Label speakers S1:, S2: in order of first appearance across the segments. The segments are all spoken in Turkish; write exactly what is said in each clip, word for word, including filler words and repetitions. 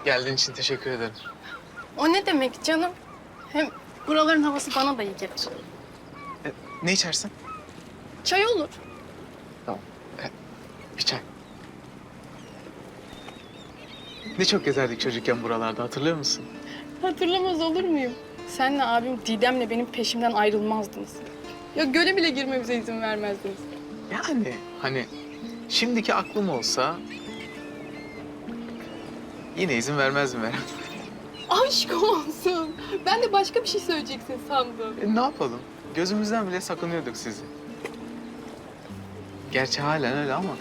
S1: Geldiğin için teşekkür ederim.
S2: O ne demek canım? Hem buraların havası bana da iyi gelir.
S1: E, ne içersin?
S2: Çay olur.
S1: Tamam. E, bir çay. Ne çok gezerdik çocukken buralarda, hatırlıyor musun?
S2: Hatırlamaz olur muyum? Senle abim Didem'le benim peşimden ayrılmazdınız. Ya göle bile girmemize izin vermezdiniz.
S1: Yani hani şimdiki aklım olsa yine izin vermezdim herhalde.
S2: Aşk olsun. Ben de başka bir şey söyleyeceksin sandım.
S1: E, ne yapalım? Gözümüzden bile sakınıyorduk sizi. Gerçi halen öyle ama.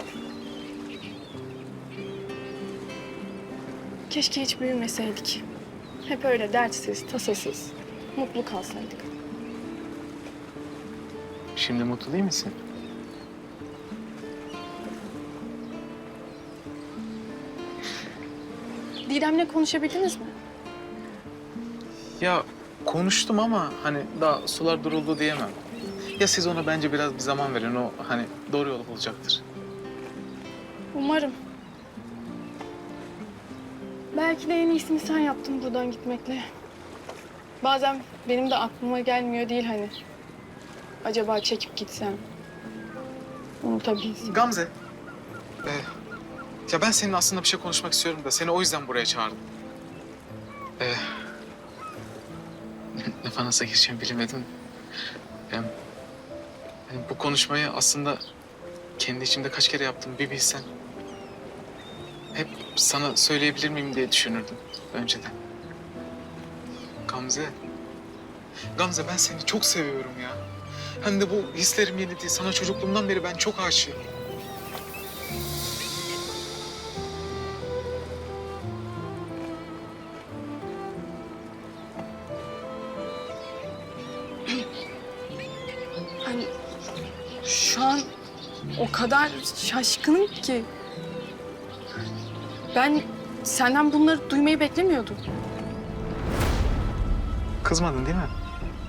S2: Keşke hiç büyümeseydik. Hep öyle dertsiz, tasasız, mutlu kalsaydık.
S1: Şimdi mutlu değil misin?
S2: Didem'le konuşabildiniz mi?
S1: Ya konuştum ama hani daha sular duruldu diyemem. Ya siz ona bence biraz bir zaman verin, o hani doğru yolu bulacaktır.
S2: Umarım. Belki de en iyisini sen yaptın buradan gitmekle. Bazen benim de aklıma gelmiyor değil hani. Acaba çekip gitsem, unutabilsem.
S1: Gamze. Ee, ya ben seninle aslında bir şey konuşmak istiyorum da seni o yüzden buraya çağırdım. Ee, ne falan nasıl gireceğimi bilemedim. Hem, hani bu konuşmayı aslında kendi içimde kaç kere yaptım bir bilsen. Hep sana söyleyebilir miyim diye düşünürdüm önceden. Gamze. Gamze, ben seni çok seviyorum ya. Hem de bu hislerim yeni değil. Sana çocukluğumdan beri ben çok aşığım.
S2: Hani şu an o kadar şaşkınım ki. Ben senden bunları duymayı beklemiyordum.
S1: Kızmadın değil mi?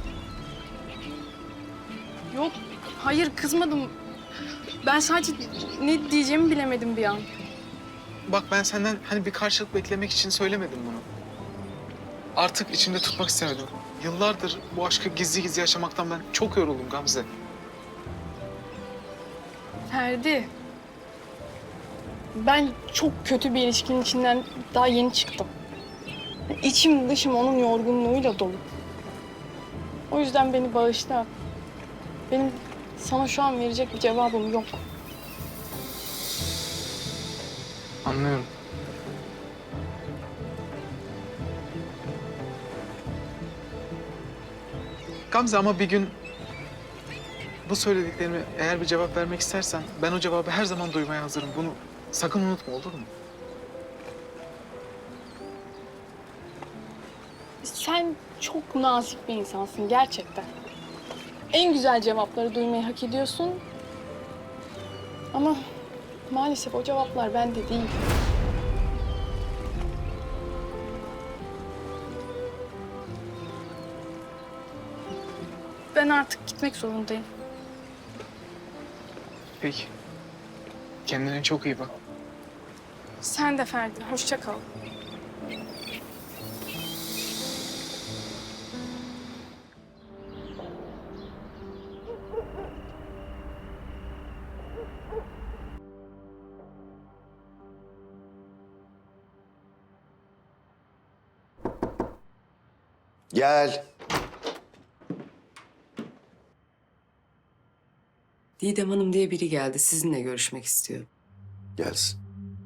S2: Yok, hayır kızmadım. Ben sadece ne diyeceğimi bilemedim bir an.
S1: Bak, ben senden hani bir karşılık beklemek için söylemedim bunu. Artık içimde tutmak istemedim. Yıllardır bu aşkı gizli gizli yaşamaktan ben çok yoruldum Gamze.
S2: Ferdi, ben çok kötü bir ilişkinin içinden daha yeni çıktım. İçim dışım onun yorgunluğuyla dolu. O yüzden beni bağışla. Benim sana şu an verecek bir cevabım yok.
S1: Anlıyorum. Gamze, ama bir gün bu söylediklerime eğer bir cevap vermek istersen ben o cevabı her zaman duymaya hazırım. Bunu sakın unutma, olur mu?
S2: Sen çok nazik bir insansın gerçekten. En güzel cevapları duymayı hak ediyorsun. Ama maalesef o cevaplar bende değil. Ben artık gitmek zorundayım.
S1: Peki. Kendine çok iyi bak.
S2: Sen de Ferdi, hoşça kal.
S3: Gel.
S4: Didem Hanım diye biri geldi. Sizinle görüşmek istiyor.
S3: Gelsin.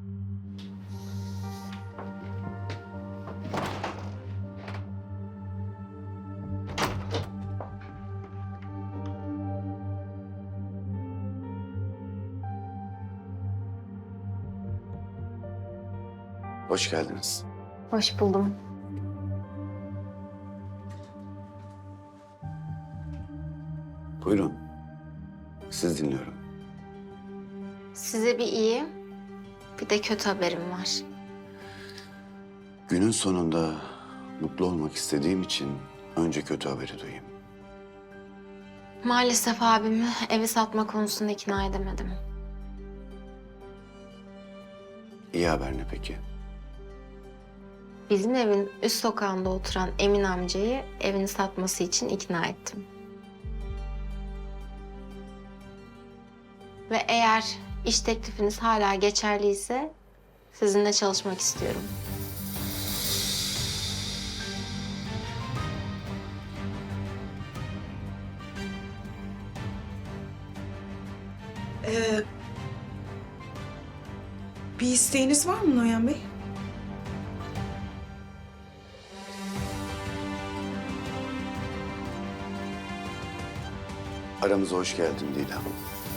S3: Hoş geldiniz.
S5: Hoş buldum.
S3: Buyurun. Siz dinliyorum.
S5: Size bir iyi, bir de kötü haberim var.
S3: Günün sonunda mutlu olmak istediğim için önce kötü haberi duyayım.
S5: Maalesef abimi evi satma konusunda ikna edemedim.
S3: İyi haber ne peki?
S5: bizim evin üst sokağında oturan Emin amcayı evini satması için ikna ettim. Ve eğer iş teklifiniz hala geçerliyse sizinle çalışmak istiyorum.
S6: Ee, bir isteğiniz var mı Noyan Bey?
S3: Aramıza hoş geldin Didem.